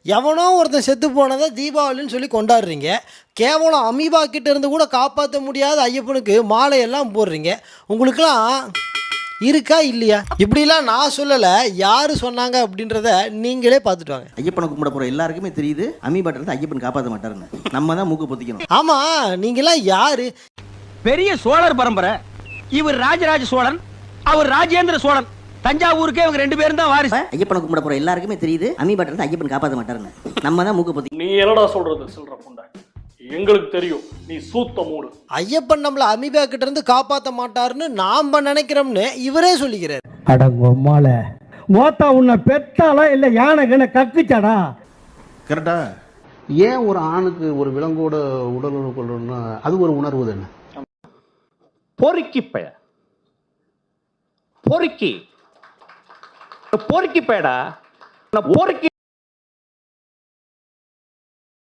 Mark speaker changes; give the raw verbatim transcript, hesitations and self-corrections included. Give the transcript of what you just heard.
Speaker 1: எவனோ ஒருத்தன் செத்து போனதை தீபாவளின்னு சொல்லி கொண்டாடுறீங்க. கேவலம் அமீபா கிட்ட இருந்து கூட காப்பாற்ற முடியாத ஐயப்பனுக்கு மாலையெல்லாம் போடுறீங்க. உங்களுக்கெல்லாம் இருக்கா இல்லையா? இப்படிலாம் நான் சொல்லலை, யார் சொன்னாங்க அப்படின்றத நீங்களே பார்த்துட்டு வாங்க.
Speaker 2: ஐயப்பனை கும்பிட போகிற எல்லாருக்குமே தெரியுது அமீபாட்ட இருந்து ஐயப்பன் காப்பாற்ற மாட்டாருன்னு. நம்ம தான் மூக்கு பொத்திக்கணும்.
Speaker 1: ஆமாம், நீங்களாம் யார்?
Speaker 3: பெரிய சோழர் பரம்பரை. இவர் ராஜராஜ சோழன், அவர் ராஜேந்திர சோழன். தஞ்சாவூருக்கே இவங்க ரெண்டு பேரும் தான் வாரிசு.
Speaker 2: ஐயப்பனை கும்பிட போகிற எல்லாருக்குமே தெரியுது அமீபாட்ட இருந்து ஐயப்பன் காப்பாற்ற மாட்டாருன்னு. நம்ம தான் மூக்கு பொத்தி.
Speaker 4: நீ என்னடா சொல்றது சில்ற புண்டை? எங்களுக்கு தெரியும், நீ சூத்த மூடு.
Speaker 1: ஐயப்பன் நம்மளை அமீபா கிட்ட இருந்து காப்பாற்ற மாட்டாருன்னு நாம நினைக்கிறோம்னு இவரே சொல்லிக்கிறார்.
Speaker 5: அடங்கொம்மால மோத்தா உன்னை பெத்தாலா இல்ல யானை கண்ண கக்குச்சாடா?
Speaker 6: கரெக்டா? ஏன் ஒரு ஆணுக்கு ஒரு விலங்கோட உடல் உறவு கொள்ளணும்னா அது ஒரு உணர்வு தானே.
Speaker 3: பொறுக்கி பய பொறுக்கி பொறுக்கி பயடா பொறுக்கி